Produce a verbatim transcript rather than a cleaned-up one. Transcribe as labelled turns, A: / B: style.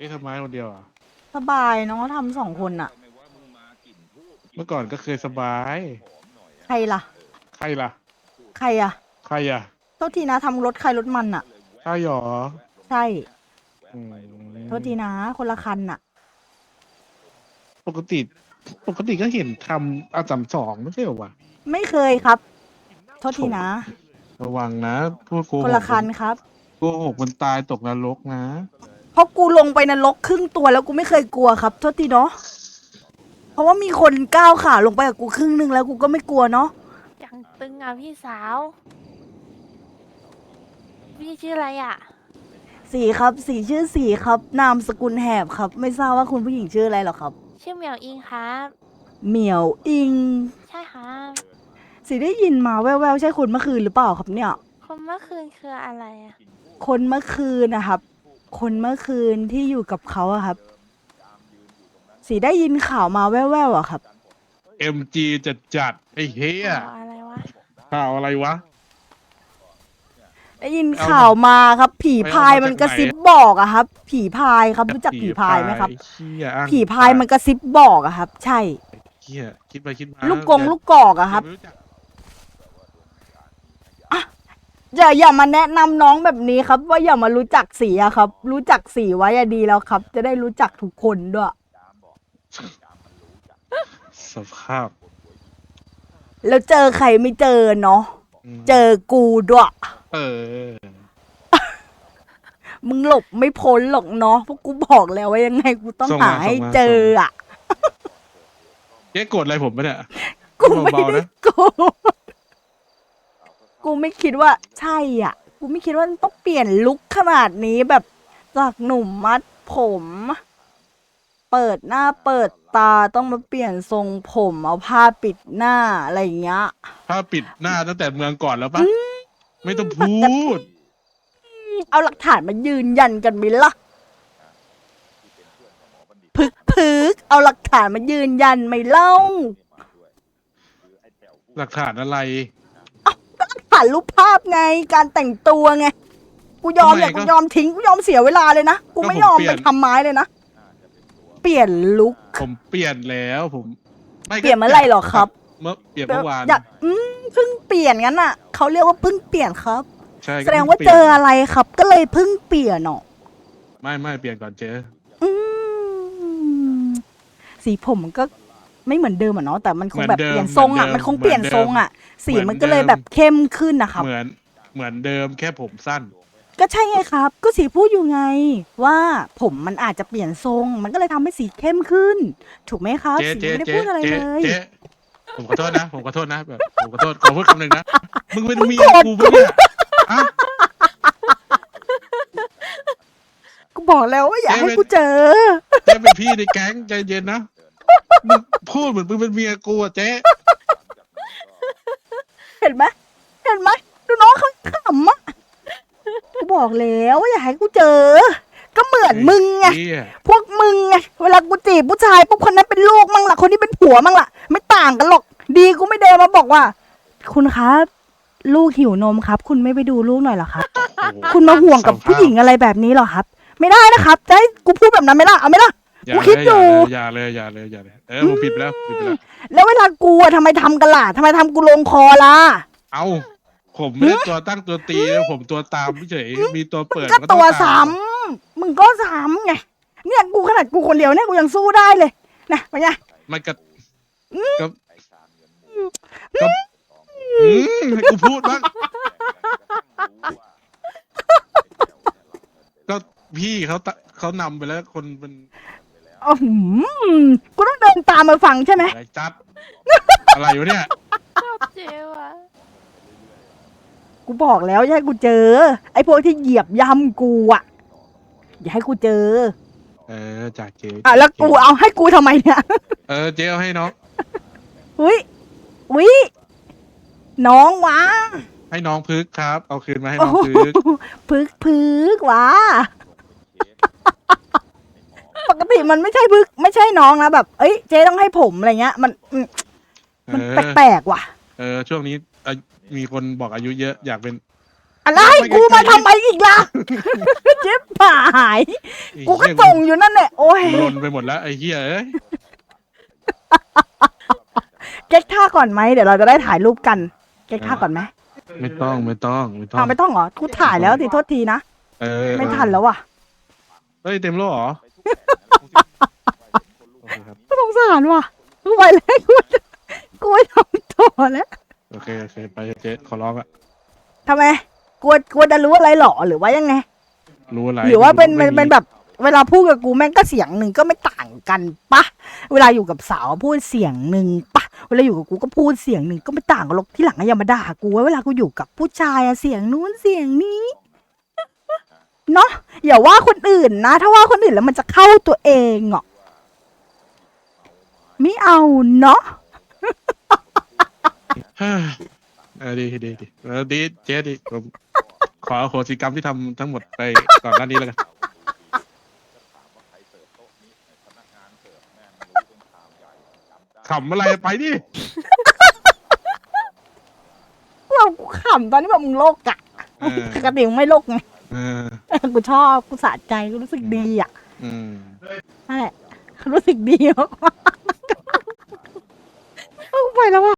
A: อ๊ะทำไมคนเดียวอ่ะ
B: สบายน้องเขาทำสองคนอะ
A: เมื่อก่อนก็เคยสบาย
B: ใครล่ะ
A: ใครล่ะ
B: ใครอะ
A: ใครอ่ะ
B: โทษทีนะทำรถใครรถมันอะ
A: ใช่หรอ
B: ใช่
A: อืม
B: โทษทีนะคนละคันอะ
A: ปกติ ปกติก็เห็นทำอาสามสองไม่ใช่เหรอวะ
B: ไม่เคยครับโทษทีนะ
A: ระวังนะพูดโก
B: คนละ
A: หกมัน
B: คันครับ
A: โกหกมันตายตกนรกนะ
B: เพราะกูลงไปนรกครึ่งตัวแล้วกูไม่เคยกลัวครับโทษทีเนาะเพราะว่ามีคนก้าวขาลงไปกับกูครึ่งหนึงแล้วกูก็ไม่กลัวเนาะ
C: ยังตึงอ่ะพี่สาว พี่ชื่ออะไรอ่ะ
B: สีครับสีชื่อสีครับ นามสกุลแหบครับ ไม่ทราบว่าคุณผู้หญิงชื่ออะไรหรอครับ
C: ชื่อเหมียวอิงครับ
B: เหมียวอิง
C: ใช่ครับ
B: สีได้ยินมาแว่วๆใช่คนเมื่อคืนหรือเปล่าครับเนี่ย
C: คนเมื่อคืนคืออะไรอ่ะ
B: คนเมื่อคืนนะครับ คนเมื่อคืนที่อยู่กับเขาอะครับ สีได้ยินข่าวมาแว่วๆอะครับ
A: เอ็มจีจัดจัดไอ้เฮีย
C: ข่าวอะไรวะ
A: ข่าวอะไรวะ
B: ได้ยินข่าวมาครับ ผีพายมันกระซิบบอกอะครับ ผีพายครับรู้จักผีพายไหมครับ
A: เฮียอ้าง
B: ผีพายมันกระซิบบอกอะครับ ใช่
A: เฮียคิดไปคิดมา
B: ลูกกงลูกกอกอะครับ
A: ไม่จัก
B: อย่าอย่ามาแนะนำน้องแบบนี้ครับ ว่าอย่ามารู้จักสีอะครับ รู้จักสีไว้อะดีแล้วครับ จะได้รู้จักทุกคนด้วย
A: สภาพ
B: แล้วเจอใครไม่เจอเนาะ
A: ม
B: เจอกูด้วย
A: เออ
B: มึงหลบไม่พ้นหรอกเนาะเพราะกูบอกแล้วว่ายังไงกูต้อง
A: ส่ง
B: หา
A: มา
B: ให้
A: ส่งมา
B: เจออะ
A: เจ๊โกรธอะไรผมปะเนี่ย
B: กูไม่
A: เบาๆ
B: ได้
A: นะ
B: โกรธกูไม่คิดว่า ใช่อ่ะ กูไม่คิดว่าต้องเปลี่ยนลุคขนาดนี้แบบจากหนุ่มมัดผม เปิดหน้าเปิดตาต้องมาเปลี่ยนทรงผมเอาผ้าปิดหน้าอะไรอย่างเงี้ย
A: ถ้าปิดหน้าตั้งแต่เมืองก่อนแล้วปะไม่ต้องพูด
B: เอาหลักฐานมายืนยันกันไหมล่ะพึกพึกเอาหลักฐานมายืนยันไหมเล่า
A: หลักฐานอะไร
B: ถ่ายรูปภาพไงการแต่งตัวไงกูยอม
A: ทำไม
B: อยาก
A: ก็
B: กูยอมทิ้งกูยอมเสียเวลาเลยนะกู
A: ก็
B: ไม่
A: ผม
B: ยอม
A: เปลี่
B: ไป
A: ยน
B: ทำไม้เลยนะเปลี่ยนลุค
A: ผมเปลี่ยนแล้วผมไม่ก็
B: เปลี่ยนเมื่อไหร่หรอครับ
A: เมื่อเปลี่ยนเมื่อวาน
B: อยากอืมเพิ่งเปลี่ยนงั้นอ่ะเขาเรียกว่าเพิ่งเปลี่ยนครับ
A: ใช่
B: แสดงว่าเจออะไรครับ ก็เลยเพิ่งเปลี่ยนเนาะ
A: ไม่ไม่เปลี่ยนก่อนเจอ
B: อืมสีผมมันก็ไม่เหมือนเดิมอะเนาะแต่มันคงแบบเปลี่ยนทรงอ่ะมันคงเปลี่ยนทรงอ่ะสีมันก็เลยแบบเข้มขึ้นนะครับ
A: เหมือนเหมือนเดิมแค่ผมสั้น
B: ก็ใช่ไงครับ ก็สีพูดอยู่ไง ว่าผมมันอาจจะเปลี่ยนทรง มันก็เลยทำให้สีเข้มขึ้น ถูกไหมครับ
A: เจ๊
B: สี
A: เจ๊
B: ไม่ได้
A: เจ๊
B: พูดอะไร
A: เจ๊
B: เลย
A: เจ๊ผมขอโทษนะ ผมขอโทษนะแบบผมขอโทษขอพูดคำหนึ่งนะมึงเป็นเมียกูปะเนี่ยอะ
B: กูบอกแล้วว่าอย่าให้กูเจอ
A: เจ๊เป็นพี่ในแก๊งใจเย็นนะมึงพูดเหมือนมึงเป็นเมียกูอะเจ๊
B: เห็นไหมเห็นไหมดูน้องเขาขำอ่ะกูบอกแล้วว่าอย่าให้กูเจอ ก็เหมือนมึงไง
A: เหี้ย
B: พวกมึงไงเวลากูจีบผู้ชายปุ๊บคนนั้นเป็นลูกมั่งล่ะคนนี้เป็นผัวมั่งล่ะ ไม่ต่างกันหรอก ดีกูไม่เดินมาบอกว่า คุณครับ ลูกหิวนมครับ คุณไม่ไปดูลูกหน่อยเหรอครับ
A: โอ้โห
B: คุณมาห่วงกับผู้หญิงอะไรแบบนี้เหรอครับ ไม่ได้นะครับจะให้กูพูดแบบนั้นไหมล่ะเอาไหมล่ะ
A: อย่า
B: กู
A: เล
B: คิด
A: ย
B: อยู่
A: อย่าเลยอย่าเลยอย่าเลยเออผมผิดไปแล้วผิดไปแล้ว
B: แล้วเวลากูอะทำไมทำกันล่ะทำไมทำกูลงคอล่ะ
A: เอาผมไม่ได้ตัวตั้งตัวตีนะผมตัวตามเฉยมีตัวเปิด
B: ก็
A: ต้
B: ตั
A: อง
B: ว
A: ตาม
B: ซ้ำมึงก็ซ้ำไงเนี่ยกูขนาดกูคนเดียวเนี่ยกูยังสู้ได้เลยนะเป็นไง
A: มันก็ก็ก็อืมให้กูพูดบ้างก็พี่เขาตะเขานำไปแล้วคนเป็น
B: อ๋อหืมกูต้องเดินตามมาฟังใช่ไหม
A: อะไรจัด อะไรอยู่เนี่ย
C: ชอบเจวะ
B: กูบอกแล้วอย่าให้กูเจอ ไอ้พวกที่เหยียบย่ำกูอ่ะอย่าให้กูเจอ
A: เออจากเจ๊
B: อ่ะแล้วกูเอาให้กูทำไมเนี่ย
A: เออเจ๊เอาให้น้อง
B: อุ้ยอุ้ยน้องวะ
A: ให้น้องพึกครับ เอาคืนมาให้
B: โอ้
A: น้อง
B: โห
A: พึก
B: พึกพึกวะปกติมันไม่ใช่พึกไม่ใช่น้องนะแบบ เอ้ยเจ๊ต้องให้ผมอะไรเงี้ย มันอืม
A: เอ
B: มัน
A: อ
B: แปลกๆว่ะ
A: เออช่วงนี้อ่ะมีคนบอกอายุเยอะอยากเป็น
B: อะไรกูมาทำไมอีกล่ะ เจ๊ป่าหาย กูก็ส่งอยู่นั่นแหละโอ้ย
A: ลนไปหมดแล้วไอ้เหี้ยเอ้ย
B: เก๊กท่าก่อนไหมเดี๋ยวเราจะได้ถ่ายรูปกัน เก๊กท่าก่อนไหม
A: ไม่ต้องไม่ต้องไม่ต้อง
B: อ้าวไม่ต้องเหรอกูถ่ายแล้วสิโทษทีนะ
A: เออ
B: ไม่ทันแล้วว่ะ
A: เฮ้ยเต็มแล้วเหรอโอเคครับ
B: สงสารว่ะกูไปแล้วกูกูไม่ทำต่อแล้ว
A: โอเคโอเคไปเจ๊ขอร้องอะ
B: ทำไมกลัวกลัวจะรู้อะไรหรอหรือว่ายังไง
A: รู้อะไร
B: หรือว่าเป็น
A: ไม่
B: เป็น
A: มี
B: เป็นแบบ เวลาพูดกับกูแม่งก็เสียงหนึ่งก็ไม่ต่างกันปะเวลาอยู่กับสาวพูดเสียงหนึ่งปะเวลาอยู่กับกูก็พูดเสียงหนึ่งก็ไม่ต่างกันหรอกที่หลังก็อย่ามาด่ากูว่าเวลากูอยู่กับผู้ชายอะเสียงนู้นเสียงนี้เนาะอย่าว่าคนอื่นนะ ถ้าว่าคนอื่นแล้วมันจะเข้าตัวเองอ่ะไม่เอาเนาะ
A: เฮ้ยเออดีดีดีเออดีเจ๊ดีผมขออโหสิกรรมที่ทำทั้งหมดไปก่อนหน้านี้แล้วกันขำอะไรไปดิ
B: เรากูขำตอนนี้แบบมึงโลกอะ
A: เออ
B: ปกติมึงไม่โลกไง
A: เออ
B: กูชอบกูสะใจกูรู้สึกดีอ่ะ
A: อืม
B: นั่นแหละรู้สึกดีมากๆ ไปแล้วว่ะ